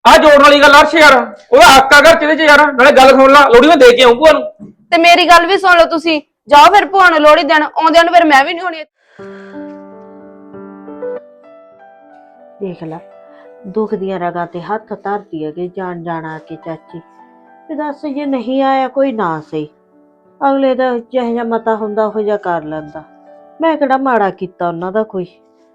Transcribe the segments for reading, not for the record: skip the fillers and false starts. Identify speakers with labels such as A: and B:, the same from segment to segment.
A: ਆ ਜੋੜਨ ਵਾਲੀ ਗੱਲ ਅਰਸ਼ ਯਾਰ, ਉਹਦਾ ਹੱਕ ਆ ਘਰ ਚ ਯਾਰ। ਨਾਲੇ ਗੱਲ ਸੁਣ ਲਾ, ਲੋੜੀ ਮੈਂ ਦੇ ਕੇ ਆਉਂ ਭੂਆ ਨੂੰ।
B: ਤੇ ਮੇਰੀ ਗੱਲ ਵੀ ਸੁਣ ਲਓ ਤੁਸੀਂ। ਜਾਓ ਫਿਰ ਭੂਆ ਨੂੰ ਲੋਹੜੀ ਦੇਣ, ਆਉਂਦਿਆਂ ਨੂੰ ਫਿਰ ਮੈਂ ਵੀ ਨਹੀਂ ਹੋਣੀ।
C: ਦੇਖ ਲੈ, ਦੁੱਖ ਦੀਆਂ ਰਗਾਂ ਤੇ ਹੱਥ ਧਰਦੀ ਹੈ ਕਿ ਜਾਣ ਜਾਣਾ ਕੇ ਚਾਚੀ ਤੇ ਦੱਸ, ਜੇ ਨਹੀਂ ਆਇਆ ਕੋਈ ਨਾ ਸਹੀ, ਅਗਲੇ ਦਾ ਜਿਹੋ ਜਿਹਾ ਮਤਾ ਹੁੰਦਾ ਉਹ ਜਿਹਾ ਕਰ ਲੈਂਦਾ। ਮੈਂ ਕਿਹੜਾ ਮਾੜਾ ਕੀਤਾ ਉਹਨਾਂ ਦਾ ਕੋਈ।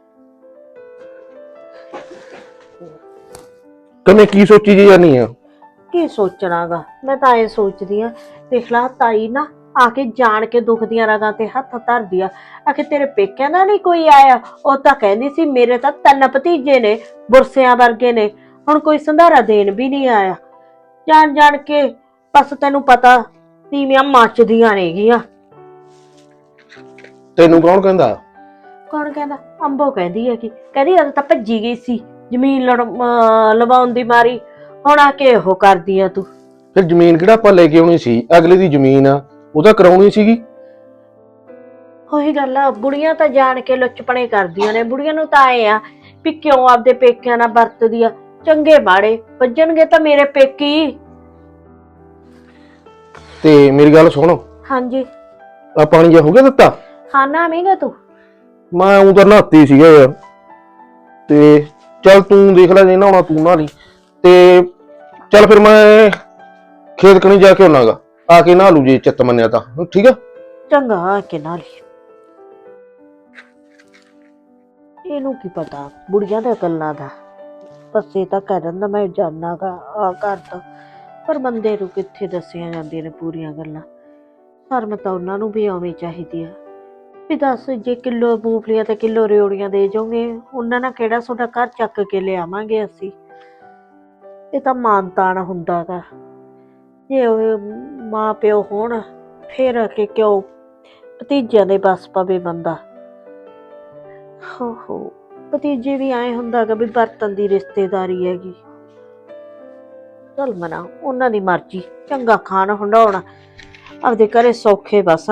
D: ਤੈਨੂੰ ਕੀ ਸੋਚੀ ਜੀ ਜਾਨੀ ਆ?
C: ਕੀ ਸੋਚਣਾਗਾ, ਮੈਂ ਤਾਂ ਇਹ ਸੋਚਦੀ ਆ, ਦੇਖ ਲਾ ਤਾਈ ਨਾ ਆ ਕੇ ਜਾਣ ਕੇ ਦੁੱਖ ਦੀਆਂ ਰਗਾਂ ਤੇ ਹੱਥ ਧਰਦੀ ਆ। ਆਖੇ ਤੇਰੇ ਪੇਕਿਆਂ ਦਾ ਨਹੀਂ ਕੋਈ ਆਇਆ? ਉਹ ਤਾਂ ਕਹਿੰਦੀ ਸੀ ਮੇਰੇ ਤਾਂ 3 ਭਤੀਜੇ ਨੇ, ਬੁਰਸਿਆਂ ਵਰਗੇ ਨੇ, ਹੁਣ ਕੋਈ ਸੰਧਾਰਾ ਦੇਣ ਵੀ ਨਹੀਂ ਆਇਆ। ਜਾਣ ਜਾਣ ਕੇ ਬਸ ਤੈਨੂੰ ਪਤਾ ਤੀਵੀਆਂ ਮੱਚਦੀਆਂ ਨੇਗੀਆਂ।
D: ਤੈਨੂੰ ਕੌਣ ਕਹਿੰਦਾ?
C: ਕੌਣ ਕਹਿੰਦਾ? ਅੰਬੋ ਕਹਿੰਦੀ ਹੈ ਕਿ ਕਹਿੰਦੀ ਉਦੋਂ ਤਾਂ ਭੱਜੀ ਗਈ ਸੀ ਜ਼ਮੀਨ ਲਵਾਉਣ ਦੀ ਮਾਰੀ, ਹੁਣ ਆ ਕੇ ਉਹ ਕਰਦੀ ਆ ਤੂੰ।
D: ਫਿਰ ਜ਼ਮੀਨ ਕਿਹੜਾ ਆਪਾਂ ਲੈ ਕੇ ਆਉਣੀ ਸੀ? ਅਗਲੇ ਦੀ ਜ਼ਮੀਨ ਆ, ਉਹ ਤਾਂ ਕਰਾਉਣੀ ਸੀਗੀ।
C: ਉਹੀ ਗੱਲ ਆ, ਬੁੜੀਆਂ ਤਾਂ ਜਾਣ ਕੇ ਲੁੱਚਪਣੇ ਕਰਦੀਆਂ ਨੇ। ਬੁੜੀਆਂ ਨੂੰ ਤਾਂ ਆਏ ਆ ਵੀ ਕਿਉਂ ਆਪਦੇ ਪੇਕਿਆਂ ਨਾਲ ਵਰਤਦੀ ਆ। ਚੰਗੇ ਮਾੜੇ ਵੱਜਣਗੇ ਤਾਂ ਮੇਰੇ ਪੇਕੀ।
D: ਤੇ ਮੇਰੀ ਗੱਲ ਸੁਣ,
C: ਹਾਂਜੀ।
D: ਆ ਪਾਣੀ ਜਿਹਾ ਹੋ ਗਿਆ ਦਿੱਤਾ?
C: ਹਾਂ ਨਾ ਮੀਂਗਾ ਤੂੰ।
D: ਮੈਂ ਉਂ ਤਾਂ ਨਹਾਤੀ ਸੀਗਾ ਯਾਰ, ਤੇ ਚੱਲ ਤੂੰ ਦੇਖ ਲੈ, ਜੇ ਨਹਾਉਣਾ ਤੂੰ ਨਹਾ ਲਈ। ਤੇ ਚੱਲ ਫਿਰ ਮੈਂ ਖੇਤ ਕਣੀ ਜਾ ਕੇ ਆਉਣਾਗਾ, ਆ ਕੇ ਨਹਾ ਲੂ ਜੇ ਚਿੱਤ ਮੰਨਿਆ ਤਾਂ। ਠੀਕ ਆ,
C: ਚੰਗਾ ਆ ਕੇ ਨਾਲ ਹੀ। ਇਹਨੂੰ ਕੀ ਪਤਾ ਬੁੜੀਆਂ ਦੇ ਗੱਲਾਂ ਦਾ। ਬੱਸੇ ਤਾਂ ਕਹਿ ਦਿੰਦਾ ਮੈਂ ਜਾਣਾਗਾ ਆ ਕਰਦਾ, ਪਰ ਬੰਦੇ ਨੂੰ ਕਿੱਥੇ ਦੱਸੀਆਂ ਜਾਂਦੀਆਂ ਨੇ ਪੂਰੀਆਂ ਗੱਲਾਂ। ਸ਼ਰਮ ਤਾਂ ਉਹਨਾਂ ਨੂੰ ਵੀ ਆਉਣੀ ਚਾਹੀਦੀ ਆ ਵੀ ਦੱਸ, ਜੇ ਕਿਲੋ ਮੂੰਗਫਲੀਆਂ ਤੇ ਕਿਲੋ ਰਿਓੜੀਆਂ ਦੇ ਜਾਓਗੇ, ਉਹਨਾਂ ਨਾਲ ਕਿਹੜਾ ਤੁਹਾਡਾ ਘਰ ਚੱਕ ਕੇ ਲਿਆਵਾਂਗੇ ਅਸੀਂ? ਇਹ ਤਾਂ ਮਾਨ ਤਾਨ ਹੁੰਦਾ ਗਾ। ਜੇ ਉਹ ਮਾਂ ਪਿਓ ਹੋਣ ਫੇਰ ਆ ਕੇ ਕਿਉਂ ਭਤੀਜਿਆਂ ਦੇ ਬਸ ਪਵੇ ਬੰਦਾ। ਹੋ ਭਤੀਜੇ ਵੀ ਆਏ ਹੁੰਦਾ ਗਾ ਵੀ ਬਰਤਨ ਦੀ ਰਿਸ਼ਤੇਦਾਰੀ ਹੈਗੀ। ਚੱਲ ਮਨਾ, ਉਹਨਾਂ ਦੀ ਮਰਜ਼ੀ, ਚੰਗਾ ਖਾਣ ਹੰਡਾਉਣਾ, ਆਪਦੇ ਘਰੇ ਸੌਖੇ ਬਸਣ।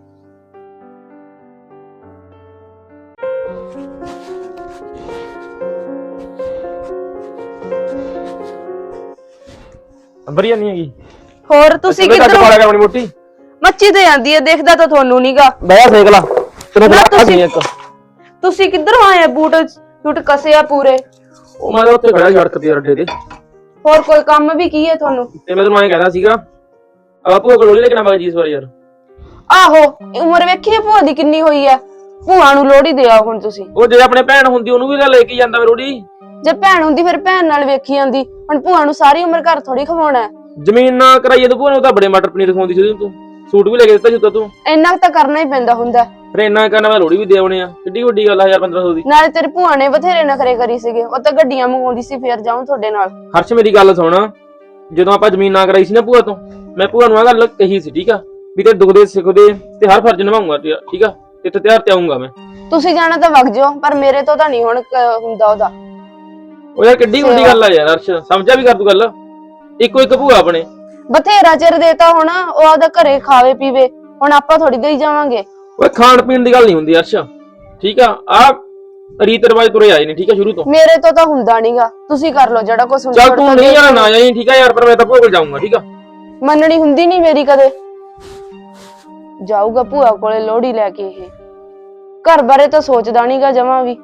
A: ਵਧੀਆ ਨਹੀਂ ਹੈਗੀ।
B: ਹੋਰ ਤੁਸੀਂ ਕਿੱਧਰੋਂ?
A: ਆਪਣੀ ਮੋਟੀ
B: ਮੱਚੀ ਤੇ ਜਾਂਦੀ ਹੈ, ਦੇਖਦਾ ਤਾਂ ਤੁਹਾਨੂੰ ਨੀਗਾ।
A: ਬਹਿ ਸੇਕ ਲਾ, ਤੈਨੂੰ
B: ਤੁਸੀਂ ਕਿੱਧਰੋਂ ਆਏ? ਬੂਟ ਕਸੇ ਆ ਪੂਰੇ।
A: ਉਹ ਮੈਂ ਉੱਥੇ ਖੜਾ ਸੜਕ ਤੇ ਅੱਡੇ ਤੇ।
B: ਹੋਰ ਕੋਈ ਕੰਮ ਵੀ ਕੀ ਹੈ ਤੁਹਾਨੂੰ?
A: ਤੇ ਮੈਂ ਤੈਨੂੰ ਐਂ ਕਹਿੰਦਾ ਸੀਗਾ, ਆਪੂ ਕੋਲ ਲੋੜੀ ਲੈ ਕੇ ਆਵਾਂਗੇ ਜੀ ਇਸ ਵਾਰ ਯਾਰ।
B: ਆਹੋ, ਉਮਰ ਵੇਖੀ ਭੂਆ ਦੀ ਕਿੰਨੀ ਹੋਈ ਹੈ, ਭੂਆ ਨੂੰ ਲੋਹੜੀ ਦੇ ਆਓ ਹੁਣ ਤੁਸੀਂ।
A: ਉਹ ਜੇ ਆਪਣੇ ਭੈਣ ਹੁੰਦੀ ਉਹਨੂੰ ਵੀ ਤਾਂ ਲੈ ਕੇ ਜਾਂਦਾ ਮੈਂ ਲੋੜੀ।
B: ਜੇ ਭੈਣ ਹੁੰਦੀ ਫਿਰ ਭੈਣ ਨਾਲ ਵੇਖੀ ਜਾਂਦੀ, ਹੁਣ ਭੂਆ ਨੂੰ ਸਾਰੀ ਉਮਰ ਘਰ ਥੋੜੀ ਖਵਾਉਣਾ।
A: ਜ਼ਮੀਨ ਨਾ ਕਰਾਈਏ ਤੂੰ ਭੂਆ ਨੂੰ, ਤਾਂ ਬੜੇ ਮਟਰ ਪਨੀਰ ਖਵਾਉਂਦੀ ਸੀ ਤੂੰ। ਸੂਟ ਵੀ ਲੈ ਕੇ ਦਿੱਤਾ ਸੀ ਤੂੰ।
B: ਇੰਨਾ ਤਾਂ ਕਰਨਾ ਹੀ ਪੈਂਦਾ ਹੁੰਦਾ।
A: ਫਿਰ ਇੰਨਾ ਕਰਨਾ, ਮੈਂ ਲੋੜੀ ਵੀ ਦੇ ਆਉਣੇ ਆ, ਕਿੱਡੀ ਵੱਡੀ ਗੱਲ ਆ 1500 ਦੀ।
B: ਨਾਲੇ ਤੇਰੀ ਭੂਆ ਨੇ ਬਥੇਰੇ ਨਖਰੇ ਕਰੀ ਸੀਗੇ, ਉਹ ਤਾਂ ਗੱਡੀਆਂ ਮੰਗਵਾਉਂਦੀ ਸੀ ਫੇਰ ਜਾਉਂ ਤੁਹਾਡੇ ਨਾਲ।
A: ਹਰਸ਼ ਮੇਰੀ ਗੱਲ ਸੁਣ, ਜਦੋਂ ਆਪਾਂ ਜ਼ਮੀਨ ਨਾ ਕਰਾਈ ਸੀ ਨਾ ਭੂਆ ਤੋਂ, ਮੈਂ ਭੂਆ ਨੂੰ ਆ ਗੱਲ ਕਹੀ ਸੀ, ਠੀਕ ਆ, ਵੀ ਤੇ ਦੁੱਖ ਦੇ ਸੁੱਖ ਦੇ ਤੇ ਹਰ ਫਰਜ਼ ਨਿਭਾਉਂਗਾ, ਠੀਕ ਆ, ਤੇ ਤਿਆਰ ਤੇ ਆਉਂਗਾ ਮੈਂ।
B: ਤੁਸੀਂ ਜਾਣਾ ਤਾਂ ਵਗ ਜਾਓ, ਪਰ ਮੇਰੇ ਤੋਂ ਤਾਂ ਨਹੀਂ ਹੁਣ ਹੁੰਦਾ ਉਹਦਾ।
A: ਉਹ ਯਾਰ ਕਿੱਡੀ ਵੱਡੀ ਗੱਲ ਆ ਯਾਰ ਹਰਸ਼, ਸਮਝਿਆ ਵੀ ਕਰ ਤੂੰ ਗੱਲ। ਇੱਕੋ ਇੱਕ ਭੂਆ ਆਪਣੇ,
B: ਬਥੇਰਾ ਚਿਰ ਦੇਤਾ ਹੁਣ, ਉਹ ਆਪਦਾ ਘਰੇ ਖਾਵੇ ਪੀਵੇ, ਹੁਣ ਆਪਾਂ ਥੋੜੀ ਦੇਈ ਜਾਵਾਂਗੇ।
A: ਓਏ ਖਾਣ ਪੀਣ ਦੀ ਗੱਲ ਨਹੀਂ ਹੁੰਦੀ ਹਰਸ਼, ਠੀਕ ਆ, ਆ ਰੀਤ ਰਿਵਾਜ ਤੁਰੇ ਆਏ ਨੇ, ਠੀਕ ਆ, ਸ਼ੁਰੂ ਤੋਂ।
B: ਮੇਰੇ ਤੋਂ ਤਾਂ ਹੁੰਦਾ ਨਹੀਂਗਾ, ਤੁਸੀਂ ਕਰ ਲਓ ਜਿਹੜਾ ਕੁਝ ਹੁੰਦਾ।
A: ਚੱਲ ਤੂੰ ਨਹੀਂ ਯਾਰ ਨਾ ਜਾਈਂ, ਠੀਕ ਆ ਯਾਰ, ਪਰ ਮੈਂ ਤਾਂ ਭੂਆ ਕੋਲ ਜਾਊਂਗਾ, ਠੀਕ ਆ।
B: ਮੰਨਣੀ ਹੁੰਦੀ ਨਹੀਂ ਮੇਰੀ ਕਦੇ। ਜਾਊਗਾ ਭੂਆ ਕੋਲੇ ਲੋਹੜੀ ਲੈ ਕੇ। ਇਹ ਘਰ ਬਾਰੇ ਤਾਂ ਸੋਚਦਾ ਨਹੀਂਗਾ ਜਮਾਂ ਵੀ।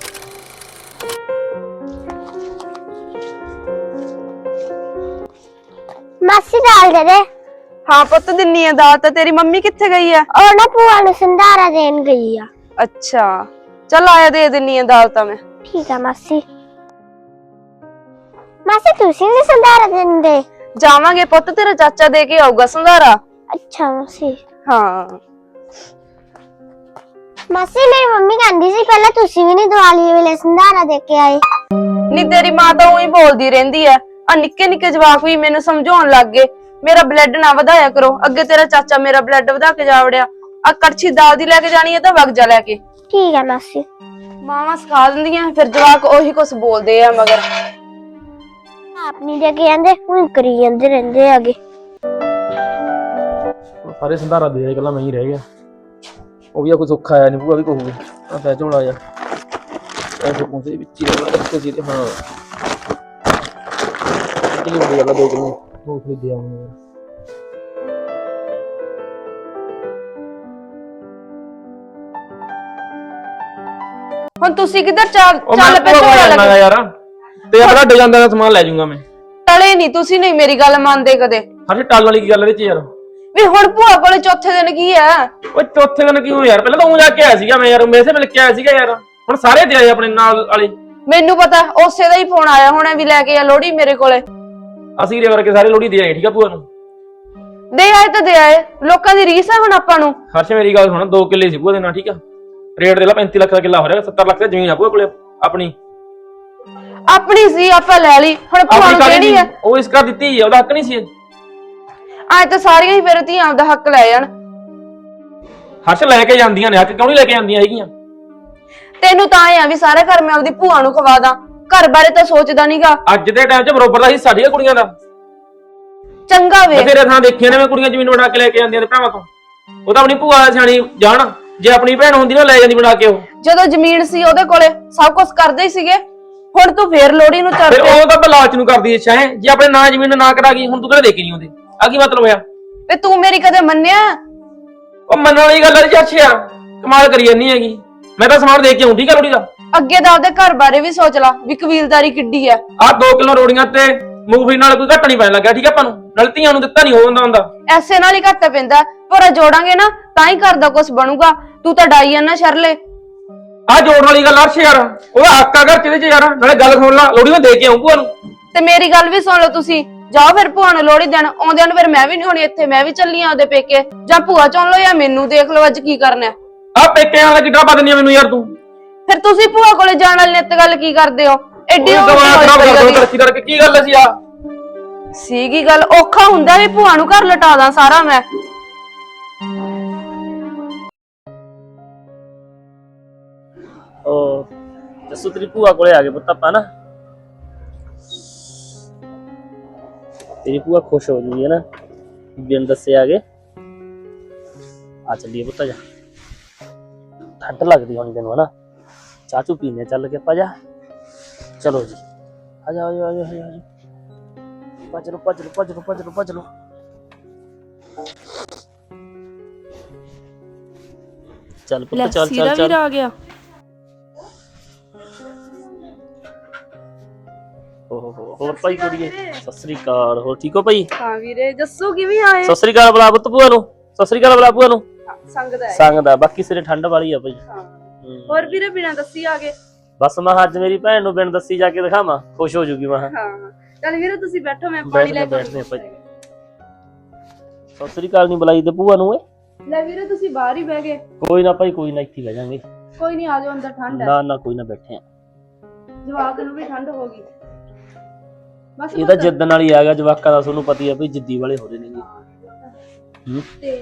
E: ਮਾਸੀ ਦਾਲ ਦੇ ਦੇ।
B: ਹਾਂ ਪੁੱਤ ਦਿੰਨੀ ਆ ਦਾਲ ਤਾਂ। ਤੇਰੀ ਮੰਮੀ ਕਿੱਥੇ ਗਈ ਆ?
E: ਉਹ ਨਾ ਭੂਆ ਨੂੰ ਸੰਧਾਰਾ ਦੇਣ ਗਈ ਆ।
B: ਅੱਛਾ ਚੱਲ ਆਇਆ, ਦੇ ਦਿੰਨੀ ਆ ਦਾਲ ਤਾਂ ਮੈਂ।
E: ਠੀਕ ਆ ਮਾਸੀ। ਮਾਸੀ ਤੁਸੀਂ ਵੀ ਸੰਧਾਰਾ ਦਿੰਦੇ?
B: ਜਾਵਾਂਗੇ ਪੁੱਤ, ਤੇਰਾ ਚਾਚਾ ਦੇ ਕੇ ਆਊਗਾ ਸੰਧਾਰਾ।
E: ਅੱਛਾ ਮਾਸੀ।
B: ਹਾਂ
E: ਮਾਸੀ ਮੇਰੀ ਮੰਮੀ ਕਹਿੰਦੀ ਸੀ ਪਹਿਲਾਂ ਤੁਸੀਂ ਵੀ ਨਹੀਂ ਦੀਵਾਲੀ ਵੇਲੇ ਸੰਧਾਰਾ ਦੇ ਕੇ ਆਏ।
B: ਨੀ ਤੇਰੀ ਮਾਂ ਤਾਂ ਉਹੀ ਬੋਲਦੀ ਰਹਿੰਦੀ ਆ। ਆ ਨਿੱਕੇ ਨਿੱਕੇ ਜਵਾਕ ਵੀ ਮੈਨੂੰ ਸਮਝਾਉਣ ਲੱਗ ਗਏ, ਮੇਰਾ ਬਲੱਡ ਨਾ ਵਧਾਇਆ ਕਰੋ। ਅੱਗੇ ਤੇਰਾ ਚਾਚਾ ਮੇਰਾ ਬਲੱਡ ਵਧਾ ਕੇ ਜਾ ਵੜਿਆ। ਆ ਕੜਛੀ ਦਾਲ ਦੀ ਲੈ ਕੇ ਜਾਣੀ ਹੈ ਤਾਂ ਵਗ ਜਾ ਲੈ ਕੇ।
E: ਠੀਕ ਆ ਮਾਸੀ।
B: ਮਾਵਾਂ ਸਿਖਾ ਦਿੰਦੀਆਂ, ਫਿਰ ਜਵਾਕ ਉਹੀ ਕੁਛ ਬੋਲਦੇ ਆ ਮਗਰ।
E: ਆਪ ਨਹੀਂ ਦੇ ਕੇ ਜਾਂਦੇ, ਹੁਣ ਕਰੀ ਜਾਂਦੇ ਰਹਿੰਦੇ ਆਗੇ।
A: ਸਾਰੇ ਸੰਧਾਰਾ ਦੇ ਇਕੱਲਾ ਮੈਂ ਹੀ ਰਹਿ ਗਿਆ। ਉਹ ਵੀ ਆ ਕੋਈ ਸੁੱਖ ਆਇਆ ਨਹੀਂ, ਭੂਆ ਵੀ ਕਹੂਗੀ ਆ ਪੈ ਝੋਲਾ ਜਾ ਐਸੇ ਪਹੁੰਚੇ ਵਿੱਚ ਹੀ ਰਹਿਣਾ ਸੀ ਤੇ। ਹਾਂ ਕੀ ਹੁੰਦੀ ਗੱਲ 2 ਕਿਲੋ ਮੂੰਗਫਲੀ ਦੇ ਆਉਂਗਾ ਯਾਰ।
B: ਹੁਣ ਤੁਸੀਂ ਕਿੱਧਰ ਚੱਲ
A: ਉਹ ਮੈਂ
B: ਪਏ ਝੋਲਾ
A: ਜਾਣਾ
B: ਲੱਗੇ
A: ਯਾਰ ਤੇ ਆਪਣਾ ਡਿਜ਼ਾਈਨ ਦਾ ਸਮਾਨ ਲੈ ਜਾਊਂਗਾ ਮੈਂ।
B: ਟਲੇ ਨਹੀਂ ਤੁਸੀਂ ਨਹੀਂ ਮੇਰੀ ਗੱਲ ਮੰਨਦੇ ਕਦੇ
A: ਹਰ ਟਾਲ ਵਾਲੀ ਕੀ ਗੱਲ ਇਹਦੇ ਚ ਯਾਰ।
B: ਵੀ ਹੁਣ ਭੂਆ ਕੋਲੇ ਚੌਥੇ ਦਿਨ ਕੀ ਆ?
A: ਓਏ ਚੌਥੇ ਦਿਨ ਕਿਉਂ ਯਾਰ, ਪਹਿਲਾਂ ਤਾਂ ਉਹ ਜਾ ਕੇ ਆਇਆ ਸੀਗਾ ਮੈਂ ਯਾਰ, ਵੈਸੇ ਮਿਲ ਕੇ ਆਇਆ ਸੀਗਾ ਯਾਰ। ਹੁਣ ਸਾਰੇ ਦੇ ਆਏ ਆਪਣੇ ਨਾਲ ਵਾਲੇ।
B: ਮੈਨੂੰ ਪਤਾ ਉਸੇ ਦਾ ਹੀ ਫੋਨ ਆਇਆ ਹੋਣਾ ਵੀ ਲੈ ਕੇ ਆ ਲੋਹੜੀ ਮੇਰੇ ਕੋਲੇ।
A: ਅਸੀਂ ਰੇ ਕਰਕੇ ਸਾਰੇ ਲੋਹੜੀ ਦੇ ਆਏ, ਠੀਕ ਆ ਭੂਆ ਨੂੰ।
B: ਦੇ ਆਏ ਤਾਂ ਦੇ ਆਏ, ਲੋਕਾਂ ਦੀ ਰੀਸ ਆ ਹੁਣ ਆਪਾਂ ਨੂੰ।
A: ਹਰਸ਼ ਮੇਰੀ ਗੱਲ ਸੁਣ, 2 ਕਿੱਲੇ ਸੀ ਭੂਆ ਦੇ ਨਾਲ, ਠੀਕ ਆ। ਰੇਟ ਦੇ ਲਾ 35 ਲੱਖ ਦਾ ਕਿੱਲਾ ਹੋ ਰਿਹਾ, 70 ਲੱਖ ਦੀ ਜ਼ਮੀਨ ਆ ਭੂਆ ਕੋਲੇ ਆਪਣੀ।
B: ਆਪਣੀ ਸੀ ਆਪਾਂ ਲੈ ਲਈ, ਹੁਣ ਭੂਆ ਨੂੰ ਕਿਹੜੀ ਆ?
A: ਉਹ ਇਸ ਕਰ ਦਿੱਤੀ, ਉਹਦਾ ਹੱਕ ਨਹੀਂ ਸੀ।
B: ਅੱਜ ਤਾਂ ਸਾਰੀਆਂ ਹੀ ਫਿਰ ਧੀਆਂ ਦਾ ਹੱਕ ਲੈ ਜਾਣ।
A: ਹਰਸ਼ ਲੈ ਕੇ ਜਾਂਦੀਆਂ ਨੇ, ਹੱਕ ਕਿਉਂ ਨਹੀਂ ਲੈ ਕੇ ਜਾਂਦੀਆਂ ਹੈਗੀਆਂ?
B: ਤੈਨੂੰ ਤਾਂ ਐ ਆ ਵੀ ਸਾਰੇ ਘਰ ਮੈਂ ਆਪਦੀ ਭੂਆ ਨੂੰ ਖਵਾ ਦਾਂ, ਘਰ ਬਾਰੇ ਤਾਂ ਸੋਚਦਾ ਨਹੀਂਗਾ।
A: ਅੱਜ ਦੇ ਟਾਈਮ 'ਚ ਬਰੋਬਰ ਦਾ ਹਿੱਸਾ ਸਾਡੀਆਂ ਕੁੜੀਆਂ ਦਾ।
B: ਚੰਗਾ ਵੇ
A: ਬਥੇਰੇ ਥਾਂ ਦੇਖੀਆਂ ਨੇ ਮੈਂ, ਕੁੜੀਆਂ ਜ਼ਮੀਨ ਬਣਾ ਕੇ ਲੈ ਕੇ ਜਾਂਦੀਆਂ ਨੇ ਭਰਾਵਾਂ ਤੋਂ। ਉਹ ਤਾਂ ਆਪਣੀ ਭੂਆ ਸਿਆਣੀ ਜਾਣ, ਜੇ ਆਪਣੀ ਭੈਣ ਹੁੰਦੀ ਨਾ ਲੈ ਜਾਂਦੀ ਬਣਾ ਕੇ ਉਹ।
B: ਜਦੋਂ ਜ਼ਮੀਨ ਸੀ ਉਹਦੇ ਕੋਲੇ ਸਭ ਕੁਝ ਕਰਦੇ ਹੀ ਸੀਗੇ, ਹੁਣ ਤੂੰ ਫੇਰ ਲੋਹੜੀ ਨੂੰ ਚੜ
A: ਫਿਰ
B: ਪਿਆ।
A: ਉਹ ਤਾਂ ਬਲਾਚ ਨੂੰ ਕਰਦੀ ਇੱਛਾ ਹੈ, ਜੇ ਆਪਣੇ ਨਾਂ ਜ਼ਮੀਨ ਨਾ ਕਰਾ ਗਈ, ਹੁਣ ਤੂੰ ਕਿਹੜੇ ਦੇ ਕੇ ਨਹੀਂ ਆਉਂਦੇ? ਆ ਕੀ ਮਤਲਬ ਹੋਇਆ?
B: ਵੇ ਤੂੰ ਮੇਰੀ ਕਦੇ ਮੰਨਿਆ?
A: ਉਹ ਮੰਨਣ ਵਾਲੀ ਗੱਲ ਹੈ ਚਾਚੇ ਯਾਰ, ਕਮਾਲ ਕਰੀ ਜਾਂਦੀ ਹੈਗੀ। ਮੈਂ ਤਾਂ ਸਮਾਨ ਦੇ ਕੇ ਆਉਂ, ਠੀਕ ਆ ਲੋਹੜੀ ਦਾ।
B: ਅੱਗੇ ਦਾ ਆਪਦੇ ਘਰ ਬਾਰੇ ਵੀ ਸੋਚ ਲਾ ਵੀ ਕਬੀਲਦਾਰੀ ਕਿੱਡੀ ਆ।
A: ਆਹ 2 ਕਿਲੋ ਰੋੜੀਆਂ ਤੇ ਮੂੰਗਫਲੀ ਨਾਲ ਕੋਈ ਘੱਟ ਨਹੀਂ ਪੈਣ ਲੱਗਿਆ, ਠੀਕ ਆ ਆਪਾਂ ਨੂੰ। ਨਾਲ ਧੀਆਂ ਨੂੰ ਦਿੱਤਾ ਨਹੀਂ ਹੋ ਹੁੰਦਾ।
B: ਐਸੇ ਨਾਲ ਹੀ ਘੱਟ ਪੈਂਦਾ, ਪਰ ਜੋੜਾਂਗੇ ਨਾ ਤਾਂ ਹੀ ਘਰ ਦਾ ਕੁਝ ਬਣੂਗਾ। ਤੂੰ ਤਾਂ ਡਾਈ ਆ ਨਾ ਸ਼ਰਲੇ।
A: ਆਹ ਜੋੜਨ ਵਾਲੀ ਗੱਲ ਅਰਸ਼ ਯਾਰ, ਉਹਦਾ ਹੱਕ ਆ ਘਰ ਚ ਯਾਰ। ਨਾਲੇ ਗੱਲ ਸੁਣ ਲਾ, ਲੋਹੜੀ ਮੈਂ ਦੇ ਕੇ ਆਉਂ ਭੂਆ ਨੂੰ।
B: ਤੇ ਮੇਰੀ ਗੱਲ ਵੀ ਸੁਣ ਲਓ ਤੁਸੀਂ, ਜਾਓ ਫਿਰ ਭੂਆ ਨੂੰ ਲੋਹੜੀ ਦੇਣ। ਆਉਂਦਿਆਂ ਨੂੰ ਫਿਰ ਮੈਂ ਵੀ ਨਹੀਂ ਹੋਣੀ ਇੱਥੇ, ਮੈਂ ਵੀ ਚੱਲੀ ਆ ਉਹਦੇ ਪੇਕੇ। ਜਾਂ ਭੂਆ ਚੁਣ ਲਓ ਜਾਂ ਮੈਨੂੰ ਦੇਖ ਲਓ ਅੱਜ ਕੀ ਕਰਨਾ।
A: ਆਹ ਪੇਕੇ ਵਾਲਾ ਕਿੱਡਾ ਪਾ ਦਿੰਦੀ ਆ ਮੈਨੂੰ ਯਾਰ ਤੂੰ।
B: ਫਿਰ ਤੁਸੀਂ ਭੂਆ ਕੋਲੇ ਜਾਣ ਵਾਲੀ ਨਿੱਤ ਗੱਲ ਕੀ ਕਰਦੇ ਹੋ? ਐਡੀ
A: ਉਹ ਦਿਮਾਗ ਖਰਾਬ ਕਰ ਦੋ ਤਰੱਕੀ ਕਰਕੇ। ਕੀ ਗੱਲ ਸੀ ਆ?
B: ਸੀਗੀ ਗੱਲ, ਔਖਾ ਹੁੰਦਾ ਵੀ ਭੂਆ ਨੂੰ ਘਰ ਲਟਾ ਦਾਂ ਸਾਰਾ ਮੈਂ।
F: ਉਹ ਜੱਸੂ ਤੇਰੀ ਭੂਆ ਕੋਲੇ ਆ ਗਏ ਪੁੱਤ ਆਪਾਂ ਨਾ। ਤੇਰੀ ਭੂਆ ਖੁਸ਼ ਹੋ ਜੂਗੀ ਨਾ, ਬਿਨ ਦੱਸੇ ਆ ਗਏ। ਆ ਚੱਲੀਏ ਪੁੱਤ, ਜਾ ਠੰਡ ਲੱਗਦੀ ਹੋਣੀ ਤੈਨੂੰ ਹਨਾ। ਚਾਚੂ ਪੀਣੇ ਚੱਲ ਕੇ ਆਪਾਂ ਜਾ। ਚਲੋ ਜੀ, ਆ ਜਾ ਆ ਜਾ ਆ ਜਾ ਆ ਜਾ। ਭੱਜ ਲੋ ਭੱਜ ਲੋ ਭੱਜ ਲੋ ਭੱਜ ਲੋ ਭੱਜ ਲੋ। ਚੱਲ ਪੁੱਤ ਚੱਲ ਚੱਲ ਚੱਲ।
B: ਆ ਗਿਆ।
F: ਓਹੋ ਹੋਰ ਭਾਈ ਕੁੜੀਏ, ਸਤਿ ਸ੍ਰੀ ਅਕਾਲ। ਹੋਰ ਠੀਕ ਹੋ ਭਾਈ?
B: ਹਾਂ ਵੀਰੇ, ਜੱਸੂ ਕਿਵੇਂ ਆਏ?
F: ਸਤਿ ਸ੍ਰੀ ਅਕਾਲ ਬੁਲਾ ਪੁੱਤ ਭੂਆ ਨੂੰ। ਸਤਿ ਸ੍ਰੀ ਅਕਾਲ ਬੁਲਾ ਭੂਆ ਨੂੰ।
B: ਸੰਗਦਾ ਹੈ।
F: ਸੰਗਦਾ, ਬਾਕੀ ਸਿਰੇ ਠੰਡ ਵਾਲੀ ਆ ਭਾਈ।
B: ਹੋਰ ਵੀਰੇ ਬਿਨਾਂ ਦੱਸੀ ਆ ਗਏ?
F: ਬਸ ਮੈਂ ਅੱਜ ਮੇਰੀ ਭੈਣ ਨੂੰ ਬਿਨ ਦੱਸੀ ਜਾ ਕੇ ਦਿਖਾਵਾਂ, ਖੁਸ਼ ਹੋ ਜੂਗੀ। ਮੈਂ
B: ਹਾਂ ਚੱਲ ਵੀਰੇ ਤੁਸੀਂ ਬੈਠੋ, ਮੈਂ ਪਾਣੀ
F: ਬੈਠਦੇ
B: ਲੈ ਕੇ
F: ਬੈਠਦੇ ਭਾਈ। ਸਤਿ ਸ੍ਰੀ ਅਕਾਲ ਨਹੀਂ ਬੁਲਾਈ ਤੇ ਭੂਆ ਨੂੰ ਏ।
B: ਲੈ ਵੀਰੇ ਤੁਸੀਂ ਬਾਹਰ ਹੀ ਬਹਿ ਗਏ।
F: ਕੋਈ ਨਾ ਭਾਈ, ਕੋਈ ਨਾ, ਇੱਥੇ ਬਹਿ ਜਾਾਂਗੇ।
B: ਕੋਈ ਨਹੀਂ, ਆ ਜਾਓ ਅੰਦਰ, ਠੰਡ ਹੈ।
F: ਨਾ ਨਾ ਕੋਈ ਨਾ, ਬੈਠੇ ਆ।
B: ਜਵਾਕ ਨੂੰ ਵੀ ਠੰਡ ਹੋ ਗਈ। ਬਸ
F: ਇਹ ਤਾਂ ਜਿੱਦਣ ਵਾਲੀ ਆ ਗਿਆ ਜਵਾਕਾਂ ਦਾ, ਤੁਹਾਨੂੰ ਪਤਾ ਹੀ ਆ ਭਾਈ, ਜਿੱਦੀ ਵਾਲੇ ਹੋ ਰਹੇ ਨੇ ਜੀ।
B: ਤੇ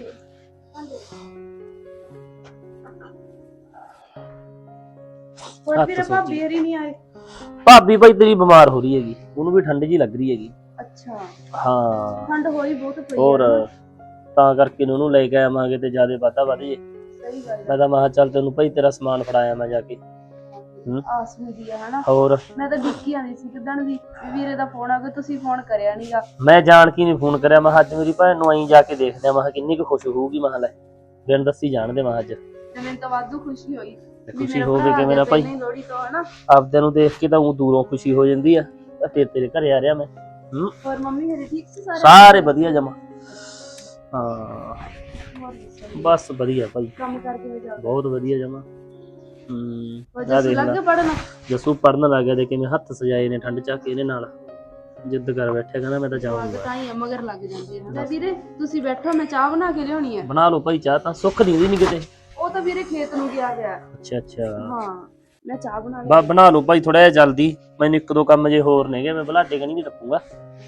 B: ਹੋਰ ਵੀਰੇ ਭਾਬੀ ਹਰੀ ਨਹੀਂ ਆਏ?
F: ਭਾਬੀ ਭਾਈ ਤੇਰੀ ਬਿਮਾਰ ਹੋ ਰਹੀ ਹੈਗੀ, ਉਹਨੂੰ ਵੀ ਠੰਡ ਜੀ ਲੱਗ ਰਹੀ ਹੈਗੀ।
B: ਅੱਛਾ,
F: ਹਾਂ
B: ਠੰਡ ਹੋਈ ਬਹੁਤ ਪਈ।
F: ਹੋਰ ਤਾਂ ਕਰਕੇ ਉਹਨੂੰ ਲੈ ਕੇ ਆਵਾਂਗੇ ਤੇ ਜਿਆਦਾ ਵਾਧਾ ਵਧ ਜੇ।
B: ਸਹੀ ਗੱਲ
F: ਮੈਂ ਤਾਂ ਮਹਾ ਚੱਲ ਤੈਨੂੰ ਭਾਈ ਤੇਰਾ ਸਮਾਨ ਫੜਾਇਆ ਮੈਂ ਜਾ ਕੇ।
B: ਆਸ ਹੁੰਦੀ ਆ ਹਨਾ।
F: ਹੋਰ
B: ਮੈਂ ਤਾਂ ਡਿੱਕੀ ਆਣੀ ਸੀ ਕਿਦਣ ਦੀ ਵੀਰੇ ਦਾ ਫੋਨ ਆ ਗਿਆ, ਤੁਸੀਂ ਫੋਨ ਕਰਿਆ ਨਹੀਂਗਾ।
F: ਮੈਂ ਜਾਣ ਕੇ ਨਹੀਂ ਫੋਨ ਕਰਿਆ, ਮੈਂ ਅੱਜ ਮੇਰੀ ਭੈਣ ਨੂੰ ਆਈ ਜਾ ਕੇ ਦੇਖਦੇ ਆ, ਮੈਂ ਕਿੰਨੀ ਕੁ ਖੁਸ਼ ਹੋਊਗੀ। ਮੈਂ ਲੈ ਬਿਨ ਦੱਸੀ ਜਾਣਦੇ ਮੈਂ ਅੱਜ।
B: ਤੇ ਮੈਨੂੰ ਤਾਂ ਵਾਧੂ ਖੁਸ਼ੀ ਹੋਈ।
F: ਖੁਸ਼ੀ ਹੋਵੇ ਕਿਵੇਂ ਨਾ ਭਾਈ,
B: ਲੋੜੀ ਤੋਂ ਹਨਾ।
F: ਆਪਦਿਆਂ ਨੂੰ ਦੇਖ ਕੇ ਤਾਂ ਉਹ ਦੂਰੋਂ ਖੁਸ਼ੀ ਹੋ ਜਾਂਦੀ ਆ। ਫਿਰ ਤੇਰੇ ਘਰੇ ਆ ਰਿਹਾ ਮੈਂ।
B: ਹੋਰ ਮੰਮੀ ਮੇਰੇ ਠੀਕ ਸੀ ਸਾਰੇ?
F: ਸਾਰੇ ਵਧੀਆ ਜਮਾ। ਹਾਂ ਬਸ ਵਧੀਆ ਭਾਈ,
B: ਕੰਮ ਕਰਕੇ ਹੋ ਜਾ।
F: ਬਹੁਤ ਵਧੀਆ ਜਮਾ।
B: ਜੱਸੂ ਲੱਗ ਗਿਆ ਪੜਨ?
F: ਜੱਸੂ ਪੜਨ ਲੱਗ ਗਿਆ, ਦੇ ਕਿਵੇਂ ਹੱਥ ਸਜਾਏ ਨੇ ਠੰਡ ਚੱਕ ਕੇ ਇਹਨੇ ਨਾਲ। ਜਿੱਦ ਕਰ ਬੈਠਿਆ, ਕਹਿੰਦਾ ਮੈਂ ਤਾਂ ਜਾਊਂਗਾ।
B: ਤਾਂ ਹੀ ਮਗਰ ਲੱਗ ਜਾਂਦੇ ਹਨ। ਲੈ ਵੀਰੇ ਤੁਸੀਂ ਬੈਠੋ, ਮੈਂ ਚਾਹ ਬਣਾ ਕੇ ਲਿਆਉਣੀ ਹੈ।
F: ਬਣਾ ਲਓ ਭਾਈ ਚਾਹ, ਤਾਂ ਸੁੱਖ ਦਿੰਦੀ ਨਹੀਂ ਕਿਤੇ।
B: ਉਹ ਤਾਂ ਵੀਰੇ ਖੇਤ ਨੂੰ ਗਿਆ ਹੋਇਆ।
F: ਅੱਛਾ ਅੱਛਾ,
B: ਹਾਂ ਮੈਂ ਚਾਹ ਬਣਾ ਲਈ।
F: ਬਣਾ ਲਓ ਭਾਈ ਥੋੜਾ ਜਿਹਾ ਜਲਦੀ, ਮੈਨੂੰ 1-2 ਕੰਮ ਜੇ ਹੋਰ ਨੇਗੇ, ਮੈਂ ਬਲਾਡੇ ਕਣੀ ਨਹੀਂ ਰੱਖੂਗਾ।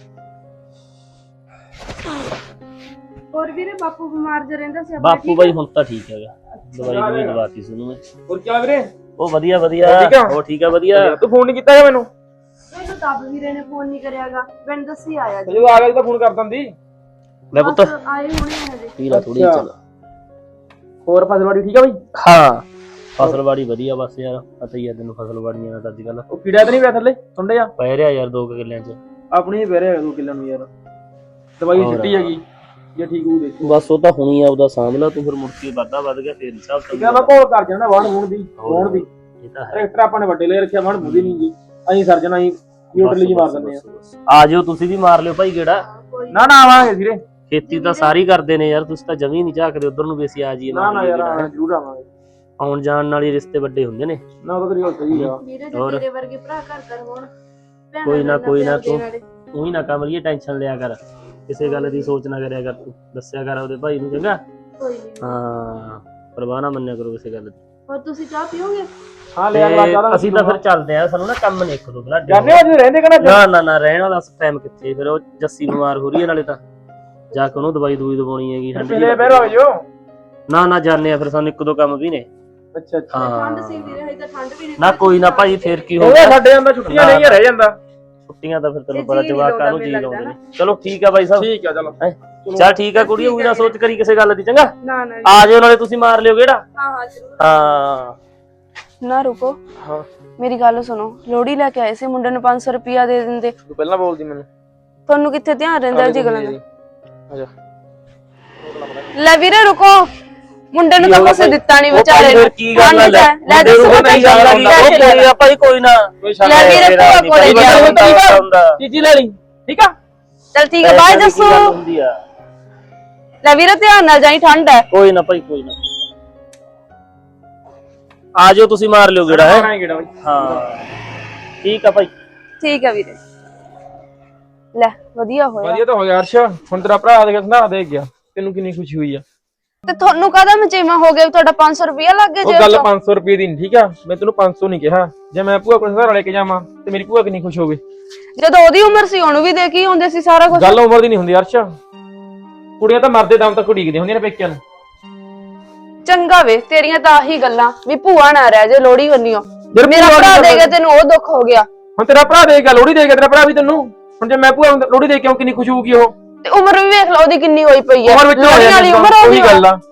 B: ਹੋਰ ਵੀਰੇ ਬਾਪੂ ਬਿਮਾਰ ਜਿਹਾ ਰਹਿੰਦਾ ਸੀ?
F: ਬਾਪੂ ਬਾਈ ਹੁਣ ਤਾਂ ਠੀਕ ਹੈਗਾ, ਦਵਾਈ ਦਵਾਤੀ ਸੀ ਉਹਨੂੰ ਮੈਂ।
A: ਹੋਰ ਕੀ ਵੀਰੇ?
F: ਉਹ ਵਧੀਆ ਵਧੀਆ, ਉਹ ਠੀਕ ਆ ਵਧੀਆ।
A: ਤੂੰ ਫੋਨ ਨਹੀਂ ਕੀਤਾ ਹੈ ਮੈਨੂੰ?
B: ਮੈਨੂੰ ਤਾਂ ਵੀਰੇ ਨੇ ਫੋਨ ਨਹੀਂ ਕਰਿਆਗਾ, ਮੈਨੂੰ ਦੱਸੀ ਆਇਆ ਜੀ।
A: ਜਦੋਂ ਆ ਗਿਆ ਤਾਂ ਫੋਨ ਕਰ ਦਿੰਦੀ।
F: ਲੈ ਪੁੱਤ
B: ਆਏ ਹੋਣੇ ਹਜੇ।
F: ਪੀ ਲੈ ਥੋੜੀ ਚੱਲ।
A: ਹੋਰ ਫਸਲਵਾੜੀ ਠੀਕ ਆ ਬਈ?
F: ਹਾਂ ਫਸਲਵਾੜੀ ਵਧੀਆ, ਬਸ ਯਾਰ ਪਤਾ ਹੀ ਆ ਤੈਨੂੰ ਫਸਲਵਾੜੀਆਂ ਦਾ ਅੱਜ ਕੱਲ।
A: ਉਹ ਕੀੜਾ ਤਾਂ ਨਹੀਂ ਪਿਆ ਥੱਲੇ ਸੁੰਡੇ ਆ?
F: ਪੈ ਰਿਹਾ ਯਾਰ 2 ਕਿੱਲਿਆਂ ਚ।
A: ਆਪਣੀ ਪੈ ਰਿਹਾ 2 ਕਿੱਲਿਆਂ ਨੂੰ ਯਾਰ ਦਵਾਈ ਛੁੱਟੀ ਹੈਗੀ ਜੇ ਠੀਕ ਹੋਊ ਦੇਖੋ
F: ਬਸ ਉਹ ਤਾਂ ਹੁਣੀ ਆ ਉਹਦਾ ਸਾਂਭ ਲਾ ਤੂੰ, ਫਿਰ ਮੁੜ ਕੇ ਵਾਧਾ ਵੱਧ ਗਿਆ ਫੇਰ ਹਿਸਾਬ
A: ਠੀਕ ਆ ਮੈਂ ਕੋਲ ਕਰ ਜਾਣਾ ਵਾਣ ਮੂਣ ਦੀ ਵਾਣ ਦੀ
F: ਇਹ ਤਾਂ ਹੈ।
A: ਟਰੈਕਟਰ ਆਪਾਂ ਨੇ ਵੱਡੇ ਲੈ ਰੱਖਿਆ ਵਾਣ ਮੁੱਦੀ ਨਹੀਂ ਜੀ ਅਸੀਂ ਸਰਜਣਾ ਅਸੀਂ ਯੂਟਲੀ ਜੀ ਮਾਰ ਦਿੰਦੇ
F: ਆ ਜਾਓ ਤੁਸੀਂ ਵੀ ਮਾਰ ਲਿਓ ਭਾਈ ਗੇੜਾ।
A: ਨਾ ਆਵਾਂਗੇ ਵੀਰੇ
F: ਖੇਤੀ ਤਾਂ ਸਾਰੀ ਕਰਦੇ ਨੇ ਯਾਰ, ਤੁਸੀਂ ਤਾਂ ਜਮੀ ਨਹੀਂ ਝਾਕਦੇ ਉਧਰ ਨੂੰ ਵੀ ਅਸੀਂ ਆ ਜਾਈਏ।
A: ਨਾ ਯਾਰ ਜ਼ਰੂਰ ਆਵਾਂਗੇ
F: ਆਉਣ ਜਾਣ ਨਾਲ ਹੀ ਰਿਸ਼ਤੇ ਵੱਡੇ ਹੁੰਦੇ ਨੇ।
A: ਨਾ ਉਹ ਤਾਂ ਤੇਰੀ ਗੱਲ ਸਹੀ ਆ
F: ਹੋਰ
B: ਤੇਰੇ ਵਰਗੇ ਭਰਾ ਘਰ ਕਰ ਹੋਣ
F: ਕੋਈ ਨਾ ਤੂੰ ਹੀ ਨਾ ਕਮਲੀਏ ਟੈਨਸ਼ਨ ਲਿਆ ਕਰ, ਕਿਸੇ ਗੱਲ ਦੀ ਸੋਚ ਨਾ ਕਰਿਆ ਕਰ, ਤੂੰ ਦੱਸਿਆ ਕਰ ਉਹਦੇ ਭਾਈ ਨੂੰ ਚੰਗਾ।
B: ਕੋਈ ਨਹੀਂ
F: ਹਾਂ ਪਰਵਾਹ ਨਾ ਮੰਨਿਆ ਕਰੋ ਕਿਸੇ ਗੱਲ ਦੀ।
B: ਹੋਰ ਤੁਸੀਂ ਚਾਹ ਪੀਓਗੇ?
A: ਹਾਂ ਲੈ ਅਗਲਾ ਚਾਹ
F: ਅਸੀਂ ਤਾਂ ਫਿਰ ਚੱਲਦੇ ਆ, ਸਾਨੂੰ ਨਾ ਕੰਮ ਨੇ ਇੱਕ ਦੋ ਬਲਾਡੇ।
A: ਜਾਣੇ ਅੱਜ ਰਹਿੰਦੇ ਕਿਹੜਾ
F: ਨਾ ਰਹਿਣ ਵਾਲਾ ਟਾਈਮ ਕਿੱਥੇ, ਫਿਰ ਉਹ ਜੱਸੀ ਬਿਮਾਰ ਹੋ ਰਹੀ ਹੈ ਨਾਲੇ ਤਾਂ ਜਾ ਕੇ ਉਹਨੂੰ ਦਵਾਈ ਦਵਾਉਣੀ ਹੈਗੀ।
A: ਪਿਛਲੇ ਬਹਿਰ ਹੋ ਜੋ
F: ਨਾ ਜਾਣੇ ਆ, ਫਿਰ ਸਾਨੂੰ ਇੱਕ ਦੋ ਕੰਮ ਵੀ ਨੇ।
A: ਅੱਛਾ
B: ਠੰਡ ਸੀ ਵੀਰੇ, ਹਜੇ ਤਾਂ ਠੰਡ ਵੀ ਨਹੀਂ।
F: ਨਾ ਕੋਈ ਨਾ ਭਾਈ, ਫੇਰ ਕੀ ਹੋ
A: ਉਹ
F: ਗਿਆ,
A: ਸਾਡੇ ਅੰਦਰ ਛੁੱਟੀਆਂ ਨਹੀਂ ਰਹਿ ਜਾਂਦਾ।
F: ਛੁੱਟੀਆਂ ਤਾਂ ਫਿਰ ਤੈਨੂੰ ਪਤਾ ਜਵਾਕਾਂ ਨੂੰ ਜੀ ਲਾਉਂਦੇ ਨੇ। ਚਲੋ ਠੀਕ ਆ ਬਾਈ ਸਾਹਿਬ,
A: ਠੀਕ ਆ ਚਲੋ
F: ਚੱਲ ਠੀਕ ਆ ਕੁੜੀ, ਉਹ ਨਾ ਸੋਚ ਕਰੀ ਕਿਸੇ ਗੱਲ ਦੀ ਚੰਗਾ।
B: ਨਾ
F: ਆ ਜਾਓ ਨਾਲੇ ਤੁਸੀਂ ਮਾਰ ਲਿਓ ਗੇੜਾ।
B: ਹਾਂ ਜ਼ਰੂਰ।
F: ਹਾਂ
B: ਨਾ ਰੁਕੋ,
A: ਹਾਂ
B: ਮੇਰੀ ਗੱਲ ਸੁਣੋ। ਲੋੜੀ ਲੈ ਕੇ ਆਏ ਸੀ, ਮੁੰਡੇ ਨੂੰ 500 ਰੁਪਿਆ ਦੇ ਦਿੰਦੇ।
A: ਤੂੰ ਪਹਿਲਾਂ ਬੋਲਦੀ ਮੈਨੂੰ
B: ਤੁਹਾਨੂੰ ਕਿੱਥੇ ਧਿਆਨ ਰਹਿੰਦਾ ਜੀ ਗੱਲਾਂ ਦਾ।
A: ਆਜਾ
B: ਲੈ ਵੀਰੇ ਰੁਕੋ, ਮੁੰਡੇ ਨੂੰ ਤਾਂ ਕੁਛ ਦਿੱਤਾ ਨਹੀਂ ਵਿਚਾਰੇ
F: ਫਿਰ
B: ਨੂੰ।
F: ਕੀ ਗੱਲ ਆ,
B: ਲੈ ਦੱਸੋ
F: ਨਹੀਂ ਗੱਲ ਆ ਕੋਈ ਆ ਭਾਈ, ਕੋਈ ਨਾ
B: ਲੈ ਵੀਰੇ ਭੂਆ ਕੋਲੇ ਗਿਆ।
A: ਚੀਜੀ ਲੈ ਲਈ ਠੀਕ ਆ।
B: ਚਲ ਠੀਕ ਹੈ, ਬਾਏ ਦੱਸੋ। ਲੈ ਵੀਰੇ ਧਿਆਨ ਨਾਲ ਜਾਈ, ਠੰਡ ਹੈ।
F: ਕੋਈ ਨਾ ਭਾਈ, ਕੋਈ ਨਾ ਆ ਜਾਓ ਤੁਸੀਂ ਮਾਰ ਲਿਓ ਗੇੜਾ ਹੈ। ਹਾਂ ਠੀਕ ਆ ਭਾਈ।
B: ਠੀਕ ਹੈ ਵੀਰੇ। ਲੈ ਵਧੀਆ ਹੋਇਆ।
A: ਵਧੀਆ ਤਾਂ ਹੋ ਗਿਆ ਅਰਸ਼, ਹੁਣ ਤੇਰਾ ਭਰਾ ਦੇ ਸੰਧਾਰਾ ਦੇ ਗਿਆ, ਤੈਨੂੰ ਕਿੰਨੀ ਖੁਸ਼ੀ ਹੋਈ ਆ।
B: ਤੇ ਤੁਹਾਨੂੰ ਕਾਹਦਾ ਮਚੇਵਾ ਹੋ ਗਿਆ? ਤੁਹਾਡਾ 500 ਰੁਪਿਆ ਲੱਗ ਗਿਆ
A: ਉਹ
B: ਜੇ।
A: ਗੱਲ 500 ਰੁਪਏ ਦੀ ਨਹੀਂ ਠੀਕ ਆ, ਮੈਂ ਤੈਨੂੰ 500 ਨਹੀਂ ਕਿਹਾ। ਜੇ ਮੈਂ ਭੂਆ ਕੋਲ ਸੰਧਾਰਾ ਲੈ ਕੇ ਜਾਵਾਂ ਤੇ ਮੇਰੀ ਭੂਆ ਕਿੰਨੀ ਖੁਸ਼ ਹੋਵੇ।
B: ਜਦੋਂ ਉਹਦੀ ਉਮਰ ਸੀ ਉਹਨੂੰ ਵੀ ਦੇ ਕੇ ਆਉਂਦੇ ਸੀ ਸਾਰਾ ਕੁਝ।
A: ਗੱਲ ਉਮਰ ਦੀ ਨਹੀਂ ਹੁੰਦੀ ਅਰਸ਼, ਕੁੜੀਆਂ ਤਾਂ ਮਰਦੇ ਦਮ ਤੱਕ ਉਡੀਕਦੀਆਂ ਹੁੰਦੀਆਂ ਨੇ ਪੇਕਿਆਂ ਨੂੰ।
B: ਚੰਗਾ ਵੇ, ਤੇਰੀਆਂ ਤਾਂ ਆਹੀ ਗੱਲਾਂ ਵੀ ਭੂਆ ਨਾ ਰਹਿ ਜੇ ਲੋੜੀ ਬੰਨਿਓ।
A: ਯਾਰ
B: ਮੇਰਾ
A: ਭੂਆ
B: ਭਰਾ
A: ਦੀ
B: ਦੇ
A: ਗੱਲ-
B: ਗਿਆ, ਤੈਨੂੰ ਉਹ ਦੁੱਖ ਹੋ ਗਿਆ।
A: ਹੁਣ ਤੇਰਾ ਭਰਾ ਦੇ ਗਿਆ ਲੋਹੜੀ ਦੇ ਗਿਆ, ਤੇਰਾ ਭਰਾ ਵੀ ਤੈਨੂੰ। ਹੁਣ ਜੇ ਮੈਂ ਭੂਆ ਨੂੰ ਲੋਹੜੀ ਦੇ ਕੇ ਆਉਂ ਕਿੰਨੀ ਖੁਸ਼ ਹੋਊਗੀ ਉਹ।
B: ਤੇ ਉਮਰ ਵੀ ਵੇਖ ਲਓ ਉਹਦੀ ਕਿੰਨੀ ਹੋਈ ਪਈ ਹੈ।
A: ਉਮਰ ਵਿੱਚ
B: ਲੋਹੜੀ ਵਾਲੀ ਉਮਰ ਹੋ
A: ਉਹੀ
B: ਗਈ।
A: ਗੱਲ ਆ।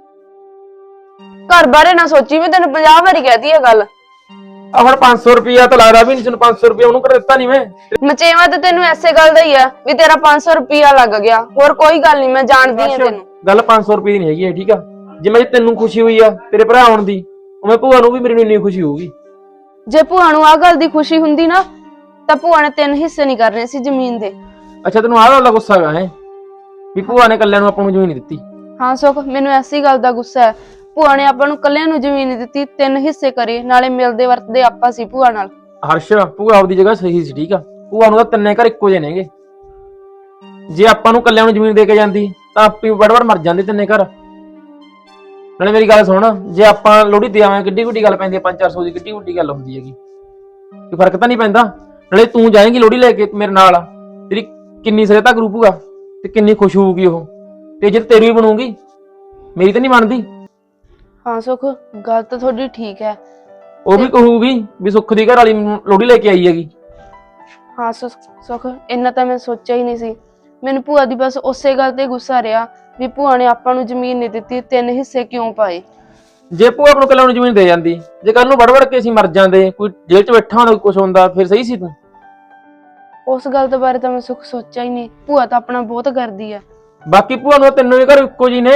B: ਘਰ ਬਾਰੇ ਨਾ ਸੋਚੀ, ਮੈਂ ਤੈਨੂੰ 50 ਵਾਰੀ ਕਹਿਤੀ ਇਹ ਗੱਲ।
A: ਆ ਹੁਣ 500 ਰੁਪਿਆ ਤਾਂ ਲੱਗਦਾ ਵੀ ਨਹੀਂ, ਤੈਨੂੰ 500 ਰੁਪਿਆ ਉਹਨੂੰ ਕਰ ਦਿੱਤਾ ਨਹੀਂ ਮੈਂ।
B: ਮਚੇਵਾ ਤੇ ਤੈਨੂੰ ਐਸੇ ਗੱਲ ਦਾ ਹੀ ਆ ਵੀ ਤੇਰਾ 500 ਰੁਪਿਆ ਲੱਗ ਗਿਆ, ਹੋਰ ਕੋਈ ਗੱਲ ਨਹੀਂ। ਮੈਂ ਜਾਣਦੀ ਹਾਂ ਤੈਨੂੰ।
A: ਗੱਲ 500 ਰੁਪਏ ਦੀ ਨਹੀਂ ਹੈਗੀ ਇਹ, ਠੀਕ ਆ। ਜਿਵੇਂ ਤੈਨੂੰ ਖੁਸ਼ੀ ਹੋਈ ਆ ਤੇਰੇ ਭਰਾ ਆਉਣ ਦੀ, ਉਵੇਂ ਭੂਆ ਨੂੰ ਵੀ ਮੇਰੀ ਨੂੰ ਇੰਨੀ ਖੁਸ਼ੀ ਹੋਊਗੀ।
B: ਜੇ ਭੂਆ ਨੂੰ ਆ ਗੱਲ ਦੀ ਖੁਸ਼ੀ ਹੁੰਦੀ ਨਾ ਤਾਂ ਭੂਆ ਨੇ 3 ਹਿੱਸੇ ਨਹੀਂ ਕਰਨੇ ਸੀ ਜ਼ਮੀਨ ਦੇ।
A: ਅੱਛਾ ਤੈਨੂੰ ਆਹ ਗੱਲ ਦਾ ਗੁੱਸਾ ਹੈਗਾ ਹੈ ਵੀ ਭੂਆ ਨੇ ਕੱਲਿਆਂ ਨੂੰ ਆਪਾਂ ਨੂੰ ਜ਼ਮੀਨ ਨਹੀਂ ਦਿੱਤੀ।
B: ਹਾਂ ਸੁਖ, ਮੈਨੂੰ ਐਸੀ ਗੱਲ ਦਾ ਗੁੱਸਾ ਹੈ। ਭੂਆ ਨੇ ਆਪਾਂ ਨੂੰ ਕੱਲਿਆਂ ਨੂੰ ਜ਼ਮੀਨ ਨਹੀਂ ਦਿੱਤੀ, 3 ਹਿੱਸੇ ਕਰੇ, ਨਾਲੇ ਮਿਲਦੇ ਵਰਤਦੇ ਆਪਾਂ ਸੀ ਭੂਆ ਨਾਲ।
A: ਹਰਸ਼, ਭੂਆ ਆਪਦੀ ਜਗ੍ਹਾ ਸਹੀ ਸੀ ਠੀਕ ਆ। ਭੂਆ ਨੂੰ ਤਾਂ ਤਿੰਨੇ ਘਰ ਇੱਕੋ ਜਿਹੇ ਨੇਗੇ। ਜੇ ਆਪਾਂ ਨੂੰ ਕੱਲਿਆਂ ਨੂੰ ਜ਼ਮੀਨ ਦੇ ਕੇ ਜਾਂਦੀ ਤਾਂ ਆਪੀ ਵੜ ਮਰ ਜਾਂਦੇ ਤਿੰਨੇ ਘਰ। ਨਾਲੇ ਮੇਰੀ ਗੱਲ ਸੁਣ, ਜੇ ਆਪਾਂ ਲੋਹੜੀ ਦੇਵਾਂ ਕਿੱਡੀ ਵੱਡੀ ਗੱਲ ਪੈਂਦੀ ਆ, 500-400 ਦੀ ਕਿੱਡੀ ਵੱਡੀ ਗੱਲ ਹੁੰਦੀ ਹੈਗੀ। ਕੋਈ ਫਰਕ ਤਾਂ ਨਹੀਂ ਪੈਂਦਾ। ਨਾਲੇ ਤੂੰ ਜਾਏਂਗੀ ਲੋਹੜੀ ਲੈ ਕੇ ਮੇਰੇ ਨਾਲ, ਤੇਰੀ ਕਿੰਨੀ ਸਰਿਤਾ ਕਰੂ ਭੂਆ ਤੇ ਕਿੰਨੀ ਖੁਸ਼ ਹੋਊਗੀ ਉਹ। ਤੇ ਜੇ ਤੇਰੀ ਵੀ ਬਣੂਗੀ, ਮੇਰੀ ਤਾਂ ਨਹੀਂ ਬਣਦੀ।
B: ਹਾਂ ਸੁਖ, ਗੱਲ ਤਾਂ ਤੁਹਾਡੀ ਠੀਕ ਹੈ।
A: ਉਹ ਵੀ ਕਹੂਗੀ ਵੀ ਸੁੱਖ ਦੀ ਘਰ ਵਾਲੀ ਲੋਹੜੀ ਲੈ ਕੇ ਆਈ ਹੈਗੀ।
B: ਹਾਂ ਸੁਖ, ਇੰਨਾ ਤਾਂ ਮੈਂ ਸੋਚਿਆ ਹੀ ਨਹੀਂ ਸੀ। ਮੈਨੂੰ ਭੂਆ ਦੀ ਬਸ ਉਸੇ ਗੱਲ ਤੇ ਗੁੱਸਾ ਰਿਹਾ ਵੀ ਭੂਆ ਨੇ ਆਪਾਂ ਨੂੰ ਜ਼ਮੀਨ ਨਹੀਂ ਦਿੱਤੀ, 3 ਹਿੱਸੇ ਕਿਉਂ ਪਾਏ।
A: ਜੇ ਭੂਆ ਆਪ ਨੂੰ ਕੱਲਿਆਂ ਨੂੰ ਜ਼ਮੀਨ ਦੇ ਜਾਂਦੀ, ਜੇ ਕੱਲ ਨੂੰ ਵੜ ਕੇ ਅਸੀਂ ਮਰ ਜਾਂਦੇ, ਕੋਈ ਜੇਲ੍ਹ 'ਚ ਬੈਠਾ ਹੁੰਦਾ, ਕੁਝ ਹੁੰਦਾ, ਫਿਰ ਸਹੀ ਸੀ ਤੂੰ।
B: ਉਸ ਗੱਲ ਦੇ ਬਾਰੇ ਤਾਂ ਮੈਂ ਸੁਖ ਸੋਚਿਆ ਹੀ ਨਹੀਂ। ਭੂਆ ਤਾਂ ਆਪਣਾ ਬਹੁਤ ਕਰਦੀ ਹੈ।
A: ਬਾਕੀ ਭੂਆ ਨੂੰ ਤੈਨੂੰ ਵੀ ਘਰ ਇੱਕੋ ਜੀ ਨੇ।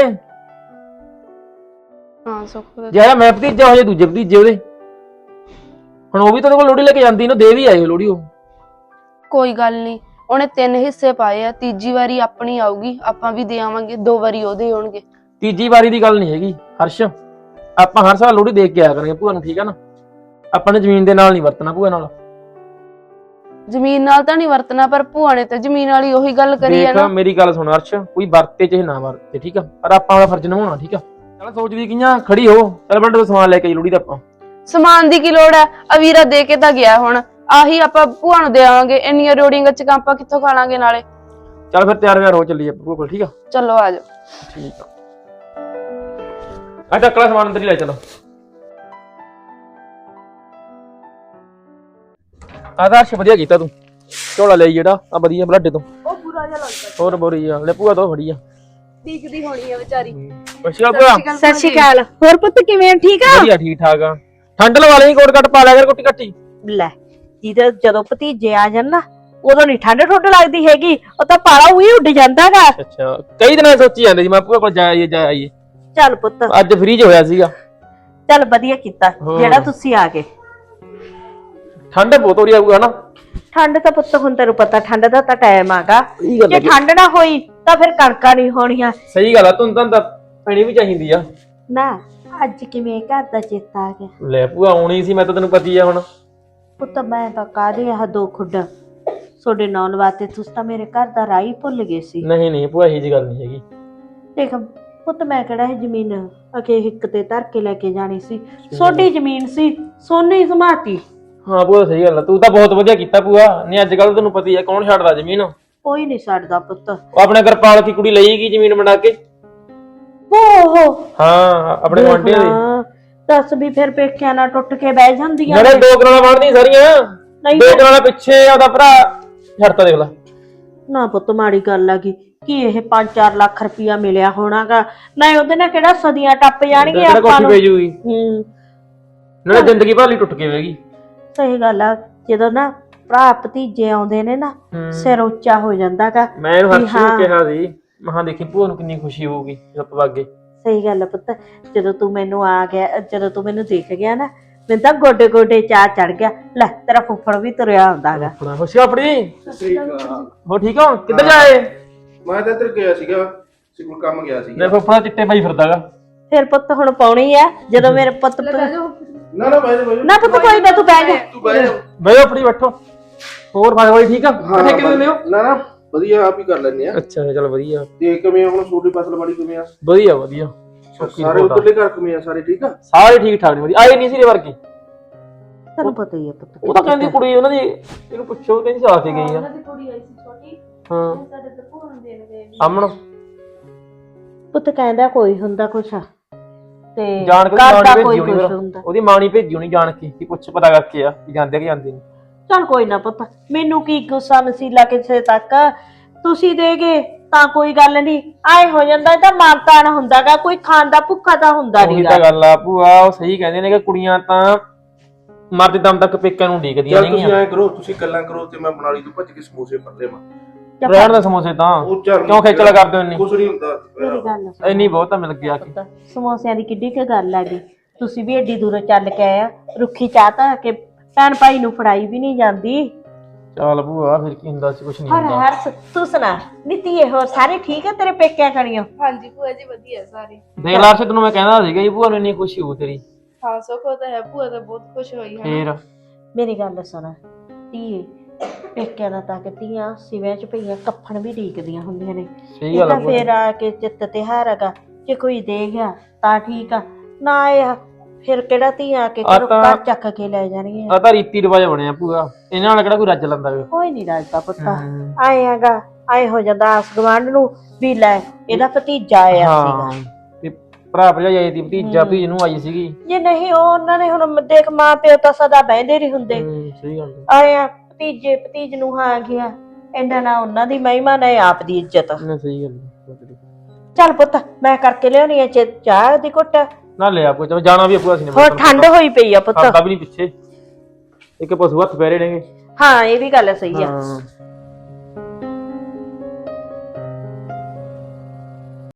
B: ਹਾਂ ਸੁਖ,
A: ਜਿਹੜਾ ਮੈਂ ਭਤੀਜਾ ਹੋ ਜਾਏ ਦੂਜੇ ਭਤੀਜੇ ਉਹਦੇ। ਹੁਣ ਉਹ ਵੀ ਤਾਂ ਉਹਦੇ ਕੋਲ ਲੋਹੜੀ ਲੈ ਕੇ ਜਾਂਦੀ ਨਾ, ਦੇ ਵੀ ਆਏ ਲੋਹੜੀ ਉਹ।
B: ਕੋਈ ਗੱਲ ਨਹੀਂ, ਉਹਨੇ 3 ਹਿੱਸੇ ਪਾਏ ਆ। ਤੀਜੀ ਵਾਰੀ ਆਪਣੀ ਆਊਗੀ, ਆਪਾਂ ਵੀ ਦੇ ਆਵਾਂਗੇ। 2 ਵਾਰੀ ਉਹਦੇ ਹੋਣਗੇ।
A: ਤੀਜੀ ਵਾਰੀ ਦੀ ਗੱਲ ਨਹੀਂ ਹੈਗੀ ਹਰਸ਼, ਆਪਾਂ ਹਰ ਸਾਲ ਲੋਹੜੀ ਦੇ ਕੇ ਆਇਆ ਕਰਾਂਗੇ ਭੂਆ ਨੂੰ, ਠੀਕ ਆ ਨਾ। ਆਪਾਂ ਨੇ ਜ਼ਮੀਨ ਦੇ ਨਾਲ ਨਹੀਂ ਵਰਤਣਾ ਭੂਆ ਨਾਲ।
B: ਜ਼ਮੀਨ ਨਾਲ ਤਾਂ ਨਹੀਂ ਵਰਤਣਾ, ਪਰ ਭੂਆ ਨੇ ਤਾਂ ਜ਼ਮੀਨ ਵਾਲੀ ਉਹੀ ਗੱਲ ਕਰੀ ਹੈ
A: ਦੇਖ
B: ਨਾ।
A: ਮੇਰੀ ਗੱਲ ਸੁਣ ਹਰਸ਼, ਕੋਈ ਵਰਤੇ ਚਾਹੇ ਨਾ ਵਰਤੇ, ਠੀਕ ਆ, ਪਰ ਆਪਾਂ ਆਪਣਾ ਫਰਜ਼ ਨਿਭਾਉਣਾ, ਠੀਕ ਆ। ਚੱਲ ਸੋਚਦੀ ਕਿਆਂ ਖੜੀ ਹੋ, ਚੱਲ ਬੰਦੇ ਤੋਂ ਸਮਾਨ ਲੈ ਕੇ ਆਈ ਲੋਹੜੀ ਦਾ ਆਪਾਂ।
B: ਸਮਾਨ ਦੀ ਕੀ ਲੋੜ ਹੈ? ਅਵੀਰਾ ਦੇ ਕੇ ਤਾਂ ਗਿਆ, ਹੁਣ ਆਹੀ ਆਪਾਂ ਭੂਆ ਨੂੰ ਦੇਵਾਂਗੇ। ਇੰਨੀਆਂ ਰੋੜੀਆਂ ਗੱਚਕਾਂ ਆਪਾਂ ਕਿੱਥੋਂ ਖਾ ਲਾਂਗੇ ਨਾਲੇ।
A: ਚੱਲ ਫਿਰ ਤਿਆਰ ਵਿਆਰ ਹੋ ਚੱਲੀਏ ਭੂਆ ਕੋਲ, ਠੀਕ ਆ।
B: ਚਲੋ ਆ ਜਾਓ।
A: ਠੀਕ ਆ, ਆ ਚੱਕਲਾ ਸਮਾਨ ਅੰਦਰ ਹੀ ਲੈ ਚਲੋ। ਆਦਰਸ਼ ਵਧੀਆ ਕੀਤਾ ਤੂੰ, ਝੋਲਾ ਲਈ ਜਿਹੜਾ ਆ ਵਧੀਆ ਬਲਾਡੇ ਤੋਂ।
B: ਉਹ ਬੁਰਾ ਜਿਹਾ ਲੱਗਦਾ,
A: ਹੋਰ ਬੋਰੀ ਆ ਲੈ ਭੂਆ ਤੋਂ ਫੜੀ ਆ।
B: ਟਿਕਦੀ ਹੋਣੀ ਹੈ ਵਿਚਾਰੀ।
A: ਅੱਛਾ ਭੂਆ,
G: ਸਤਿ ਸ਼੍ਰੀ ਅਕਾਲ। ਹੋਰ ਪੁੱਤ ਕਿਵੇਂ ਆ? ਠੀਕ ਆ?
A: ਵਧੀਆ ਠੀਕ ਠਾਕ ਆ। ਠੰਡ ਲਵਾ ਲਈ, ਕੋਟ ਕੱਟ ਪਾ ਲਿਆ ਕਰ, ਕੋਟੀ ਕੱਟੀ।
C: ਲੈ ਜਿਹਦੇ ਜਦੋਂ ਭਤੀਜੇ ਆ ਜਾਣ ਨਾ, ਉਦੋਂ ਨਹੀਂ ਠੰਡ ਠੁੱਡ ਲੱਗਦੀ ਹੈਗੀ, ਉਹ ਤਾਂ ਪਾਲਾ ਉਹੀ ਉੱਡ ਜਾਂਦਾਗਾ।
A: ਅੱਛਾ ਕਈ ਦਿਨਾਂ ਸੋਚੀ ਜਾਂਦੇ ਸੀ ਮੈਂ ਭੂਆ ਕੋਲ ਜਾ ਆਈਏ।
C: ਚੱਲ ਪੁੱਤ,
A: ਅੱਜ ਫ੍ਰੀ ਚ ਹੋਇਆ ਸੀਗਾ।
C: ਚੱਲ ਵਧੀਆ ਕੀਤਾ
A: ਹਾਂ।
C: ਜਿਹੜਾ ਤੁਸੀਂ ਆ ਗਏ।
A: ਠੰਡ ਬਹੁਤ ਹੋ ਰਹੀ ਆਊਗਾ ਨਾ।
C: ਠੰਡ ਤਾਂ ਪੁੱਤ ਹੁਣ ਤੈਨੂੰ ਪਤਾ ਠੰਡ ਦਾ ਤਾਂ ਟਾਈਮ ਆਗਾ।
A: ਸਹੀ ਗੱਲ
C: ਜੇ ਠੰਡ ਨਾ ਹੋਈ ਤਾਂ ਫਿਰ ਕਣਕਾਂ ਨਹੀਂ ਹੋਣੀਆਂ।
A: ਸਹੀ ਗੱਲ ਆ, ਤੁਹਾਨੂੰ ਤਾਂ ਪੈਣੀ ਵੀ ਚਾਹੀਦੀ ਆ।
C: ਨਾ ਅੱਜ ਕਿਵੇਂ ਘਰ ਦਾ ਚੇਤਾ ਆ ਗਿਆ?
A: ਲੈ ਭੂਆ ਆਉਣੀ ਸੀ, ਮੈਂ ਤਾਂ ਤੈਨੂੰ ਪਤੀ ਆ ਹੁਣ।
C: ਪੁੱਤ ਮੈਂ ਤਾਂ ਕਾਹਦੇ ਆਹ ਦੋ ਖੁੱਡ ਤੁਹਾਡੇ ਨਾਲ ਵਾਸਤੇ, ਤੁਸੀਂ ਤਾਂ ਮੇਰੇ ਘਰ ਦਾ ਰਾਹ ਹੀ ਭੁੱਲ ਗਏ ਸੀ।
A: ਨਹੀਂ ਨਹੀਂ ਭੂਆ ਇਹੀ ਜੀ ਗੱਲ ਨਹੀਂ ਹੈਗੀ।
C: ਦੇਖ ਪੁੱਤ, ਮੈਂ ਕਿਹੜਾ ਇਹ ਜ਼ਮੀਨ ਅਕੇ ਹਿੱਕ ਤੇ ਧਰ ਕੇ ਲੈ ਕੇ ਜਾਣੀ ਸੀ। ਤੁਹਾਡੀ ਜ਼ਮੀਨ ਸੀ, ਸੋਨੇ ਹੀ ਸਮਾਤੀ।
A: ਹਾਂ ਭੂਆ ਸਹੀ ਗੱਲ ਆ, ਤੂੰ ਤਾਂ ਬਹੁਤ ਵਧੀਆ ਕੀਤਾ ਭੂਆ। ਨਹੀਂ ਅੱਜ ਕੱਲ ਤੈਨੂੰ ਪਤੀ ਆ ਕੌਣ ਛੱਡਦਾ ਜ਼ਮੀਨ।
C: ਕੋਈ ਨਹੀਂ ਛੱਡਦਾ ਪੁੱਤ।
A: ਉਹ ਆਪਣੇ ਕਿਰਪਾਲ ਕੀ ਕੁੜੀ ਲਈਗੀ ਜ਼ਮੀਨ ਬਣਾ ਕੇ।
C: ਓਹੋ
A: ਹਾਂ ਆਪਣੇ ਗੁਆਂਢੀਆਂ ਦੀ।
C: ਦੱਸ ਵੀ ਫਿਰ ਪੇਕਿਆਂ ਨਾਲ ਟੁੱਟ ਕੇ ਬਹਿ ਜਾਂਦੀਆਂ
A: ਜਿਹੜੇ ਦੋ ਕਨਾਲਾਂ ਬਣਦੀਆਂ ਸਾਰੀਆਂ,
C: ਨਹੀਂ
A: ਦੋ ਕਨਾਲਾਂ ਪਿੱਛੇ ਉਹਦਾ ਭਰਾ ਛੱਡਤਾ ਦੇਖ ਲੈ।
C: ਨਾ ਪੁੱਤ ਮਾੜੀ ਗੱਲ ਆ ਗਈ ਕਿ ਇਹ 5-4 ਲੱਖ ਰੁਪਇਆ ਮਿਲਿਆ ਹੋਣਾਗਾ ਨਾ, ਉਹਦੇ ਨਾਲ ਕਿਹੜਾ ਸਦੀਆਂ ਟੱਪ ਜਾਣਗੀਆਂ
A: ਤੇਰਾ
C: ਆਪਾਂ
A: ਕੋਠੀ
C: ਨੂੰ।
A: ਪੈ ਜੂਗੀ ਨਾਲੇ ਜ਼ਿੰਦਗੀ ਭਾਲੀ ਟੁੱਟ ਕੇ ਵੇਗੀ।
C: ਸਹੀ ਗੱਲ ਆ, ਜਦੋਂ ਨਾ ਭਰਾ ਭਤੀਜੇ ਆਉਂਦੇ ਨੇ ਨਾ ਸਿਰ ਉੱਚਾ ਹੋ ਜਾਂਦਾਗਾ।
A: ਮੈਂ ਇਹਨੂੰ ਹਰਸ਼ ਨੂੰ ਕਿਹਾ ਸੀ, ਮਹਾਂ ਦੇਖੀ ਭੂਆ ਨੂੰ ਕਿੰਨੀ ਖੁਸ਼ੀ ਹੋਊਗੀ ਜਦੋਂ ਆਪਾਂ ਵਗ ਗਏ।
C: ਸਹੀ ਗੱਲ ਆ ਪੁੱਤ, ਜਦੋਂ ਤੂੰ ਮੈਨੂੰ ਆ ਗਿਆ, ਜਦੋਂ ਤੂੰ ਮੈਨੂੰ ਦੇਖ ਗਿਆ ਨਾ, ਮੈਨੂੰ ਤਾਂ ਗੋਡੇ ਗੋਡੇ ਚਾਹ ਚੜ ਗਿਆ। ਲੈ ਤੇਰਾ ਫੁੱਫੜ ਵੀ ਤੁਰਿਆ ਆਉਂਦਾਗਾ।
A: ਆਪਣਾ ਖੁਸ਼ੀ ਆਪਣੀ ਹੋ ਠੀਕ ਹੋ? ਕਿੱਧਰ ਜਾਏ?
D: ਮੈਂ ਤਾਂ ਇੱਧਰ ਗਿਆ ਸੀਗਾ, ਸਿਕਲ ਕੰਮ ਗਿਆ ਸੀ।
A: ਮੇਰੇ ਫੁੱਫੜਾ ਚਿੱਟੇ ਪਾਈ ਫਿਰਦਾਗਾ।
C: ਫਿਰ ਪੁੱਤ ਹੁਣ ਪਾਉਣੀ ਆ ਜਦੋਂ ਮੇਰੇ ਪੁੱਤ
D: ਨਾ ਨਾ ਬਾਈ ਬਾਈ
C: ਨਾ ਪੁੱਤ ਕੋਈ ਨਾ, ਤੂੰ ਬਹਿ ਜਾ।
D: ਤੂੰ ਬਹਿ ਜਾ।
A: ਬਈ ਆਪਣੀ ਬੈਠੋ। ਹੋਰ ਭਾਈ ਠੀਕ ਆ?
D: ਹਾਂ
A: ਠੇਕੇ ਦਿੰਦੇ ਹੋ?
D: ਨਾ ਨਾ ਵਧੀਆ, ਆਪ ਹੀ ਕਰ ਲੈਣੇ ਆ।
A: ਅੱਛਾ ਚਲ ਵਧੀਆ।
D: ਤੇ ਕਿਵੇਂ ਹੁਣ ਛੋਟੀ ਫਸਲ ਵਾਲੀ ਕਿਵੇਂ ਆ?
A: ਵਧੀਆ ਵਧੀਆ।
D: ਸਾਰੇ ਉਧਰਲੇ ਘਰ ਕਿਵੇਂ ਆ? ਸਾਰੇ ਠੀਕ ਆ?
A: ਸਾਰੇ ਠੀਕ ਠਾਕ ਨੇ ਵਧੀਆ। ਆਏ ਨਹੀਂ ਸੀ ਰੇ ਵਰਗੀ।
C: ਤੈਨੂੰ ਪਤਾ ਹੀ ਆ ਪੁੱਤ।
A: ਉਹ ਤਾਂ ਕਹਿੰਦੀ ਕੁੜੀ ਉਹਨਾਂ ਦੀ, ਇਹਨੂੰ ਪੁੱਛੋ ਕਹਿੰਦੀ ਆ ਕੇ ਗਈ ਆ। ਹਾਂ ਅਮਨ
C: ਪੁੱਤ ਕਹਿੰਦਾ ਕੋਈ ਹੁੰਦਾ ਕੁਛ ਤੇ
A: ਜਾਣ ਕੇ
C: ਘਰ ਦਾ
A: ਮਾਂ
C: ਕੋਈ
A: ਭੇਜੀ
C: ਕੁਛ
A: ਹੋਣੀ,
C: ਹੁੰਦਾ।
A: ਉਹਦੀ ਮਾਂ ਨਹੀਂ ਭੇਜੀ ਹੋਣੀ ਜਾਣ ਕੇ, ਕਿ ਪੁੱਛ ਪਤਾ ਕਰਕੇ ਆ ਕਿ ਜਾਂਦੇ ਕਿ ਜਾਂਦੇ ਨਹੀਂ।
C: ਚੱਲ ਕੋਈ ਨਾ ਪੁੱਤ, ਮੈਨੂੰ ਕੀ ਗੁੱਸਾ ਮਸੀਲਾ ਕਿਸੇ ਤੱਕ। ਤੁਸੀਂ ਦੇਗੇ ਤਾਂ ਕੋਈ ਗੱਲ ਨਹੀਂ, ਆਏ ਹੋ ਜਾਂਦਾ। ਇਹ ਤਾਂ ਮਾਨਤਾਨ ਹੁੰਦਾਗਾ, ਕੋਈ ਖਾਣ ਦਾ ਭੁੱਖਾ ਤਾਂ ਹੁੰਦਾ
A: ਉਹੀ
C: ਨਹੀਂਗਾ।
A: ਤਾਂ ਗੱਲ ਆ ਭੂਆ, ਉਹ ਸਹੀ ਕਹਿੰਦੇ ਨੇ ਕਿ ਕੁੜੀਆਂ ਤਾਂ ਮਰਦੇ ਦਮ ਤੱਕ ਪੇਕਿਆਂ ਨੂੰ ਡੀਕਦੀਆਂ
D: ਚੱਲ ਤੁਸੀਂ
A: ਨੇਗੀਆਂ।
D: ਐਂ ਕਰੋ, ਤੁਸੀਂ ਗੱਲਾਂ ਕਰੋ ਤੇ ਮੈਂ ਬਣਾ ਲਈ ਤੂੰ ਭੱਜ ਕੇ ਸਮੋਸੇ ਫੜ ਲਿਆਵਾਂ।
A: ਰਹਿਣ ਦੇ ਸਮੋਸੇ ਤਾਂ
D: ਉਹ ਚੱਲ
A: ਕਿਉਂ ਖੇਚਲਾ ਕਰਦੇ ਹੋ ਇੰਨੀ?
D: ਕੁਛ ਨਹੀਂ ਹੁੰਦਾ।
C: ਮੇਰੀ ਗੱਲ ਸੁਣ
A: ਇੰਨੀ ਬਹੁਤ ਤਾਂ ਮਿਲ ਗਿਆ ਕਿ
C: ਪੁੱਤ, ਸਮੋਸਿਆਂ ਦੀ ਕਿੱਡੀ ਕੁ ਗੱਲ ਆ ਗਈ। ਤੁਸੀਂ ਵੀ ਏਡੀ ਦੂਰੋਂ ਚੱਲ ਕੇ ਆਏ ਆ, ਰੁੱਖੀ ਚਾਹ ਤਾਂ ਕਿ ਭੈਣ ਭਾਈ ਨੂੰ ਫੜਾਈ ਵੀ ਨਹੀਂ ਜਾਂਦੀ।
A: ਚੱਲ ਭੂਆ ਫਿਰ ਕੀ ਹੁੰਦਾ ਸੀ, ਕੁਛ ਨਹੀਂ
C: ਹਰ
A: ਹੁੰਦਾ।
C: ਹਰ ਤੂੰ ਸੁਣਾ ਨੀਤੀ, ਹੋਰ ਸਾਰੇ ਠੀਕ ਆ ਤੇਰੇ ਪੇਕਿਆਂ ਕਣੀਓ?
B: ਹਾਂਜੀ ਭੂਆ ਜੀ ਵਧੀਆ ਸਾਰੇ।
A: ਦੇਖ ਲਾ ਤੈਨੂੰ ਮੈਂ ਕਹਿੰਦਾ ਸੀਗਾ ਜੀ ਭੂਆ ਨੂੰ ਇੰਨੀ ਖੁਸ਼ੀ ਹੋਊ ਤੇਰੀ।
B: ਹਾਂ ਸੁੱਖ ਤਾਂ ਹੈ, ਭੂਆ ਤਾਂ ਬਹੁਤ ਖੁਸ਼ ਹੋਈ ਹੈ।
A: ਫੇਰ
C: ਮੇਰੀ ਗੱਲ ਸੁਣ ਧੀਏ, ਪੇਕਿਆਂ ਦਾ ਤਾਂ ਕਿ ਧੀਆਂ ਸਿਵਿਆਂ ਚ ਪਈਆਂ ਕੱਫਣ ਵੀ ਢੀਕਦੀਆਂ ਹੁੰਦੀਆਂ ਨੇ।
A: ਸਹੀ
C: ਇਹ
A: ਗੱਲ
C: ਤਾਂ
A: ਆ ਭੂਆ।
C: ਫੇਰ ਆ ਕੇ ਚਿੱਤ ਤਿਉਹਾਰ ਹੈਗਾ, ਜੇ ਕੋਈ ਦੇ ਗਿਆ ਤਾਂ ਠੀਕ ਆ, ਨਾ ਇਹ ਫਿਰ ਕਿਹੜਾ ਧੀਆਂ ਆ ਕੇ
A: ਆ
C: ਘਰੋਂ
A: ਤਾਂ-
C: ਘਰ ਚੱਕ ਕੇ ਲੈ ਜਾਣਗੀਆਂ।
A: ਆ ਤਾਂ ਰੀਤੀ ਰਿਵਾਜ ਬਣਿਆ ਭੂਆ, ਇਹਨਾਂ ਨਾਲ ਕਿਹੜਾ ਕੋਈ ਰੱਜ ਲੈਂਦਾ ਗਾ।
C: ਕੋਈ ਨਹੀਂ ਰਾਜਦਾ ਪੁੱਤਾ, ਆਏ ਹੈਗਾ, ਆਏ ਹੋ ਜਾਂਦਾ ਆਸ ਗਵਾਂਢ ਨੂੰ ਵੀ ਲੈ ਇਹਦਾ ਭਤੀਜਾ ਆਇਆ ਸੀਗਾ।
A: ਹਾਂ ਤੇ ਭਰਾ ਭਰਜਾਈ ਆਈ ਦੀ, ਭਤੀਜਾ ਭਤੀਜ ਨੂੰ ਆਈ ਸੀਗੀ।
C: ਜੇ ਨਹੀਂ ਉਹ ਉਹਨਾਂ ਨੇ ਹੁਣ ਦੇਖ ਮਾਂ ਪਿਓ ਤਾਂ ਸਦਾ ਬਹਿੰਦੇ ਨਹੀਂ ਹੁੰਦੇ।
A: ਸਹੀ ਗੱਲ ਆ।
C: ਆਏ ਆ ਭਤੀਜੇ ਭਤੀਜ ਨੂੰ ਆ ਗਿਆ, ਇਹਨਾਂ ਨਾਲ ਉਹਨਾਂ ਦੀ ਮਹਿਮਾ ਨੇ ਆਪ ਦੀ ਇੱਜ਼ਤ।
A: ਨਾ ਸਹੀ ਗੱਲ ਆ।
C: ਚੱਲ ਪੁੱਤ ਮੈਂ ਕਰਕੇ ਲਿਆਉਣੀ ਆ ਚਾਹ ਦੀ ਘੁੱਟ।
A: ਨਾ ਲਿਆ ਕੋਈ, ਚਲੋ ਜਾਣਾ ਵੀ ਭੂਆ ਸੀ ਨੇ।
C: ਹੋਰ ਠੰਡ ਹੋਈ ਪਈ ਆ ਪੁੱਤ।
A: ਖਾਂਦਾ ਵੀ ਨਹੀਂ ਪਿੱਛੇ, ਇੱਕ ਪਸ਼ੂ ਹੱਥ ਪੈਰੇ ਨੇਗੇ।
C: ਹਾਂ ਇਹ ਵੀ ਗੱਲ ਸਹੀ ਆ।
A: ਹਾਂ